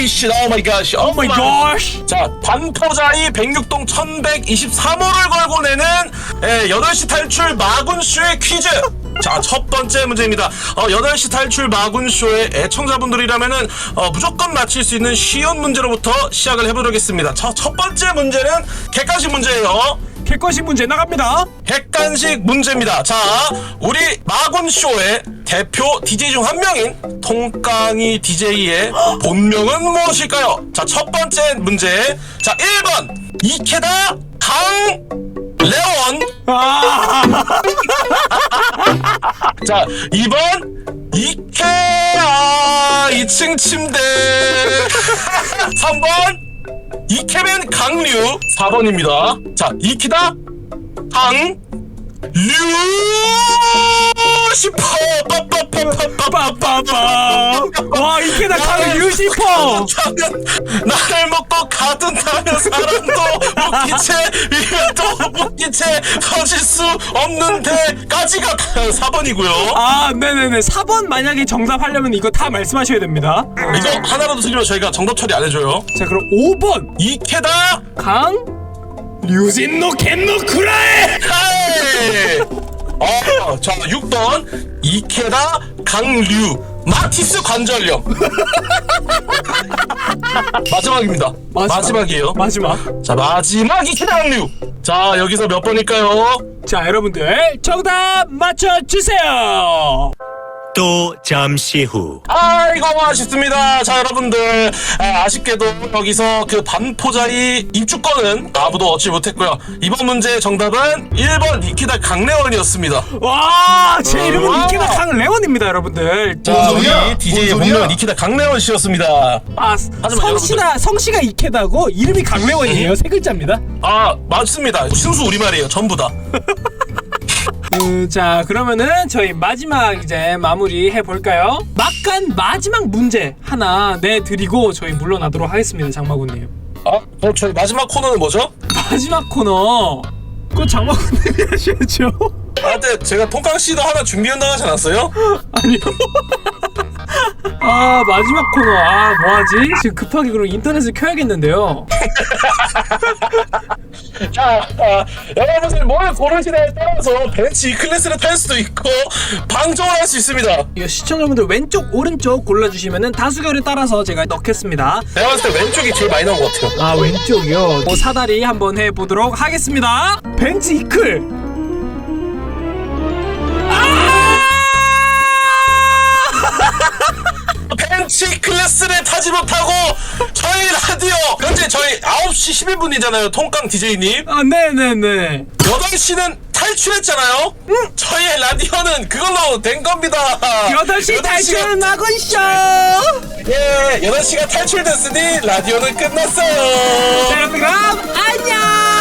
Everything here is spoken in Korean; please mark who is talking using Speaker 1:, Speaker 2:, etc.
Speaker 1: holy shit, oh my gosh,
Speaker 2: 오 마이 갓.
Speaker 1: 자, 반포자이 106동 1123호를 걸고 내는 8시 탈출 마군쇼의 퀴즈. 자, 첫 번째 문제입니다. 8시 탈출 마군쇼의 애청자분들이라면은 무조건 맞힐 수 있는 쉬운 문제로부터 시작을 해보도록 하겠습니다. 첫 번째 문제는 객관식 문제예요.
Speaker 2: 객관식 문제 나갑니다.
Speaker 1: 객관식 문제입니다. 자, 우리 마군쇼의 대표 DJ 중 한 명인 통깡이 DJ의 본명은 무엇일까요? 자, 첫 번째 문제. 자, 1번 이케다 강레원. 자, 2번 이케아 2층 침대. 3번 이케맨 강류. 4번입니다. 자, 이키다 강류 슈퍼
Speaker 2: 빠빠빠. 와 이케다 강 유시퍼.
Speaker 1: 나를 먹고 가둔다면 사람도 웃기채 위에 또 웃기채 터질 수 없는데까지가 4번이고요.
Speaker 2: 아 네네네 4번 만약에 정답하려면 이거 다 말씀하셔야 됩니다.
Speaker 1: 이거 하나라도 틀리면 저희가 정답 처리 안 해줘요.
Speaker 2: 자 그럼 5번
Speaker 1: 이케다
Speaker 2: 강 류진노 겐노 쿠라에.
Speaker 1: 자 6번 이케다 강류 마티스 관절염. 마지막입니다. 마지막이에요.
Speaker 2: 마지막.
Speaker 1: 자, 마지막 이케다 강류. 자, 여기서 몇 번일까요?
Speaker 2: 자 여러분들 정답 맞춰주세요.
Speaker 3: 또 잠시 후.
Speaker 1: 아이고 아쉽습니다. 자 여러분들 아쉽게도 여기서 그 반포자이 입주권은 아무도 얻지 못했고요. 이번 문제의 정답은 1번 니키다 강레원이었습니다.
Speaker 2: 와제 이름은 니키다 강레원입니다 여러분들.
Speaker 1: 자 우리 DJ의 본명은 니키다 강레원 씨였습니다.
Speaker 2: 아 성씨가 이케다고 이름이 강레원이에요. 세 글자입니다.
Speaker 1: 아 맞습니다. 순수 우리말이에요 전부 다.
Speaker 2: 자 그러면은 저희 마지막 이제 마무리 해볼까요? 막간 마지막 문제 하나 내드리고 저희 물러나도록 하겠습니다. 장마군님.
Speaker 1: 그럼 저희 마지막 코너는 뭐죠?
Speaker 2: 마지막 코너 그거 장마군님이 하셔야죠.
Speaker 1: 근데 제가 통깡 씨도 하나 준비한다고 하지 않았어요?
Speaker 2: 아니요. 마지막 코너 뭐하지? 지금 급하게 그럼 인터넷을 켜야겠는데요.
Speaker 1: 자, 여러분들 뭘 고르시냐에 따라서 벤치 클래스를 탈 수도 있고 방종을 할 수 있습니다.
Speaker 2: 이거 시청자분들 왼쪽 오른쪽 골라주시면은 다수결에 따라서 제가 넣겠습니다.
Speaker 1: 내가 봤을 때 왼쪽이 제일 많이 나온 것 같아요.
Speaker 2: 왼쪽이요. 사다리 한번 해보도록 하겠습니다. 벤치 이클.
Speaker 1: 벤치 클래스를 타지 못하고 저희 라디오 현재 저희 9시 11분이잖아요. 통깡 DJ님.
Speaker 2: 네네네.
Speaker 1: 8시는 탈출했잖아요. 저희의 라디오는 그걸로 된 겁니다.
Speaker 2: 8시 탈출 마군쇼.
Speaker 1: 예, 8시가 탈출됐으니 라디오는 끝났어요.
Speaker 2: 자 그럼 안녕.